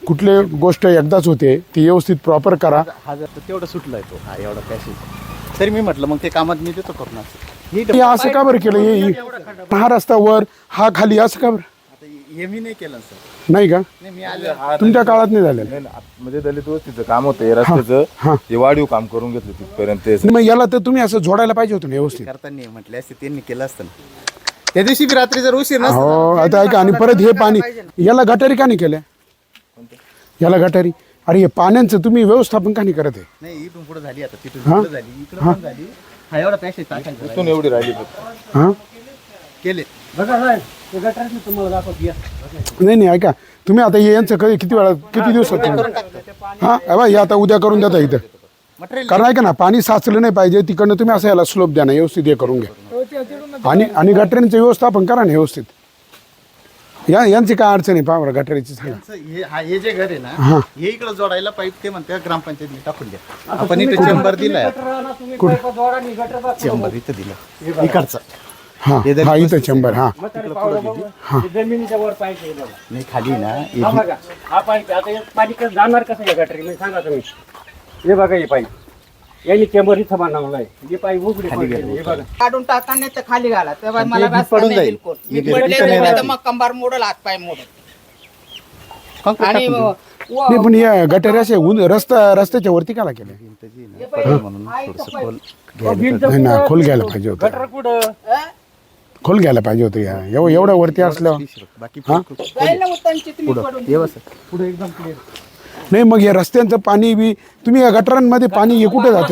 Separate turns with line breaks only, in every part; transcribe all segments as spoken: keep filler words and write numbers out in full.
कुठली गोष्ट एकदाच होते ती व्यवस्थित प्रॉपर करा.
हा जर तेवढं सुटलाय तो हा एवढा पॅसेज तरी मी म्हटलं मग ते कामात मी देतो करून असं
हे असं का बरं केलं? हे हा रस्ता वर हा खाली असं का बरं?
आता हे मी नाही केलं सर.
नाही का?
नाही मी आलो
तुमच्या काळात नाही झालेलं?
नाही ना, म्हणजे दलित वस्तीचं काम होतं हे रस्त्याचं, ते वाढीव काम करून घेतलं तिथपर्यंत तेच.
मग याला तर तुम्ही असं जोडायला पाहिजे होतं ना व्यवस्थित.
करताना म्हटले असते त्यांनी केलं असतं ना. त्या दिवशी बी रात्री जर उशीर नसता
हो आता ऐका, आणि परत हे पाणी याला गटारी का नाही केल्या? याला गटारी, अरे हे पाण्याचं तुम्ही व्यवस्थापन का नाही करत आहे?
नाही इथून पुढे झाली आता तिथून पुढे झाली इकडे पण झाली. हा एवढा पॅसेज टाकायचा
इथून एवढी राहिली फक्त.
हां
केले.
नाही नाही ऐका, तुम्ही आता हे यांचं कधी किती वेळा किती दिवसात हां बा हे आता उद्या करून देता इथं.
मटेरियल
कारण ऐका ना, पाणी साचलं नाही पाहिजे तिकडनं, तुम्ही असं याला स्लोप द्या ना, व्यवस्थित हे करून घ्या. आणि आणि गटरींचं व्यवस्थापन करा ना व्यवस्थित. या यांची काय अडचण आहे पहा बरं गटरीची सांगा.
हे हा हे जे घर आहे ना हे इकडे जोडायला पाईप ते म्हणते ग्रामपंचायतीने टाकून द्या. आपण इथे चेंबर दिलाय, चेंबर इथं दिलं इकडचा.
हां हा इथं चेंबर. हां
जमिनीच्या वर पाहिजे
नाही खाली ना हे
हा बघा हा पाईप आता हे पाणी कसं जाणार कसं या गटरी सांगा तुम्ही. हे बघा हे पाईप यांनी चेंबर इथं बांधवलं आहे. हे पाईप उघडे पडलेले, हे बघा
काढून टाका नाही तर खाली घाला तेव्हा मला
ते
रस्ता
पडून
नाही
जाईल.
बिलकुल.
हे
मी पडले
इथं नाही
नाही तर
राहत.
मग कंबार मोडल हात पाय मोडल.
concrete
आणि
टाकून देऊ.
व-
नाही पण या गटारी असे उन- रस्ता रस्त्याच्या वरती काला केलं?
भिंत जी आहे ना, पडली म्हणून थोडंसं खोल घ्यायला
भिंत
नाही ना, खोल घ्यायला पाहिजे होतं.
गटर कुठं
अं?
खोल घ्यायला पाहिजे होतं. या एव- एवढ्या वरती असल्यावर
पाहिजे. बाकी
हा?
जाईल ना उतांची तुम्ही पडून.
हे बस
पुढे एकदम क्लिअर.
नाही मग या रस्त्यांचं पाणी बी तुम्ही या गटारांमध्ये पाणी हे कुठे जाते?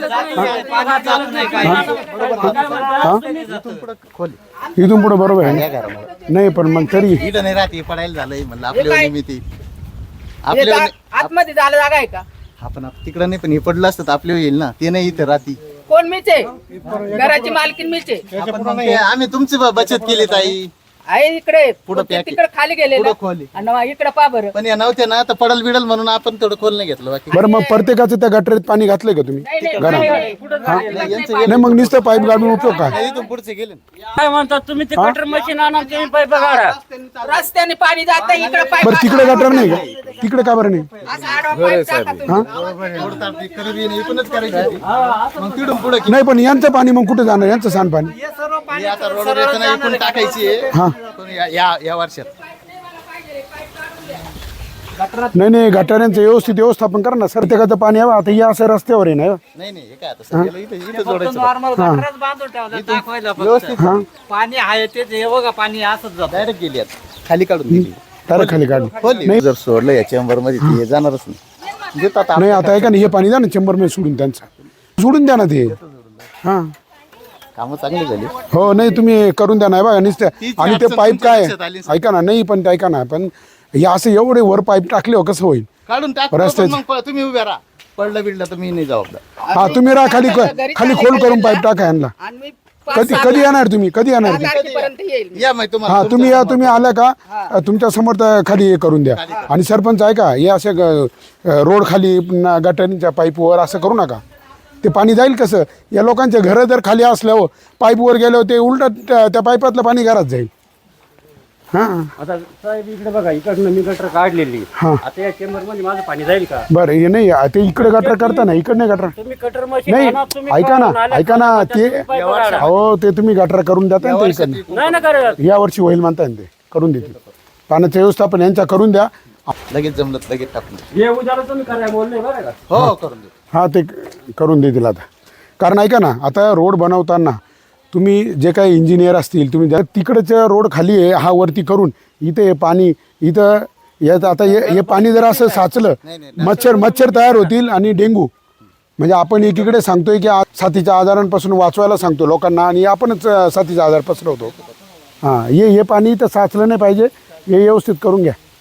इथून पुढे खोल
इथून पुढे बरोबर आहे
या
ना?
घरामध्ये
नाही पण मग तरी
इथं नाही राहते पडायला झालंय म्हणलं आपल्या
काय?
निमित्त
हे
आपल्या
जा- आतमध्ये झालं जागा आहे का?
आपण तिकडं नाही पण हे पडलं असतं तर आपले येईल ना. ते नाही इथं राहती.
कोण मीच आहे घराची मालकीन मीच आहे.
आपण मग ते- आम्ही तुमची ब- बचत केली ताई.
आहे इकडे
पुढं
ते
पॅक-
तिकडे खाली गेलेलं
पुढं खोल आहे.
आणि मग इकडे पा बरं.
पण या नव्हत्या ना तर पडल बिडल म्हणून आपण थोडं खोल नाही घेतलं बाकी
बरं मग प्रत्येकाचं त्या गटरीत पाणी घातलंय का तुम्ही
नाही नाही,
घरात?
नाही, नाही.
नाही, यांचं
नाही मग नुसतं पाईप गाडून उपयोग काय?
नाही, इथून पुढचे गेले ना.
काय म्हणतात तुम्ही ते कटर मशीन आणा तुम्ही पाईप काढा.
रस्त्याने पाणी जात इकडे पाईप
बरं तिकडे गटर नाही का? तिकडे का बरं नाही?
असं आडवा पाईप टाका तुम्ही.
एवढं तर आपली गरिबी नाही, इथूनच करायची होती. मग तिकडून पुढे
नाही पण यांचं पाणी मग कुठे जाणार? यांचं सांडपाणी
आता रोड येताना इकडून टाकायची आहे.
हा
पण या- या या वर्षात
नाही नाही गटाऱ्यांचं व्यवस्थित व्यवस्थापन करा ना. प्रत्येकाचं पाणी यावं. आता या असं रस्त्यावर आहे ना.
नाही नाही हे काय आता सगळ्याला इथं इथं जोडायचं
नॉर्मल गटरच बांधून ठेवलं दाखवायला फक्त.
हां
पाणी आहे तेच हे बघा पाणी असंच जात.
डायरेक्ट गेली आता खाली काढून दिली.
तारा खाली काढली.
खोली जर सोडलं या चेंबर मध्ये ते हे जाणारच नाही. देतात आता.
नाही आता ऐका ना, हे पाणी द्या ना चेंबरमध्ये सोडून त्यांचं सोडून द्या ना ते. हां
कामं चांगली झाली.
हो नाही तुम्ही करून द्या ना. हे बघा नुसतं.
तीच
आणि ते
अडचण
पाईप
तुमच्या
काय
लक्षात आली सर.
ऐका ना, नाही पण ते ऐका ना, पण हे असं एवढे वर पाईप टाकले हो कसं होईल?
काढून टाक
रस्त्याचं-
मग प- तुम्ही उभ्या राहा. पडलं बिडलं तर मी नाही जबाबदार.
हा तुम्ही राहा खाली खाली खोल करून पाईप टाका यांना.
आणि मी पाच
कधी
सहा
कधी येणार तुम्ही? कधी येणार ते?
तारखेपर्यंत येईल.
या माहिती तुम्हाला
हा तुम्ही या, तुम्ही आल्या का तुमच्या समोर तर खाली हे करून द्या. आणि सरपंच आहे का हे असे ग- रोड खाली पुन्हा गटारींच्या पाईपवर असं करू नका. ते पाणी जाईल कसं? या लोकांचे घरं जर खाली असल्यावर पाईपवर गेल्यावर ते उलट त्या पाईपातलं पाणी घरात जाईल. हां
आता साहेब इकडे बघा इकडनं मी गटर काढलेली.
हां
आता या चेंबर मध्ये माझं पाणी जाईल का?
बरं हे नाही ते इकडे गटर करता ना, इकडे नाही गटर.
तुम्ही कटर मशीन
नाही
आणा तुम्ही
ऐका ना
काढून आल्या
ऐका ना
तर
ते
तुम्ही पाईप काढा.
हो ते तुम्ही गटर करून देता ना ते इकडनं.
नाही ना करत.
या वर्षी होईल म्हणताय ना ते करून देतील. पाण्याचं व्यवस्थापन यांच्या करून द्या.
लगेच जमलं तर लगेच टाकून दे.
हे उद्याला तुम्ही करायला बोलले बरं का?
हो करून दे.
हां ते करून देतील आता. कारण ऐका ना आता रोड बनवताना तुम्ही जे काही इंजिनियर असतील तुम्ही ज्या तिकडचं रोड खाली आहे हा वरती करून इथे हे पाणी इथं यात आता हे हे पाणी जर असं साचलं मच्छर मच्छर तयार होतील आणि डेंगू. म्हणजे आपण एकीकडे सांगतोय की आ- साथीच्या आजारांपासून वाचवायला सांगतो लोकांना आणि आपणच अं, साथीचा आजार पसरवतो. हां हे हे पाणी इथं साचलं नाही पाहिजे. हे व्यवस्थित करून घ्या.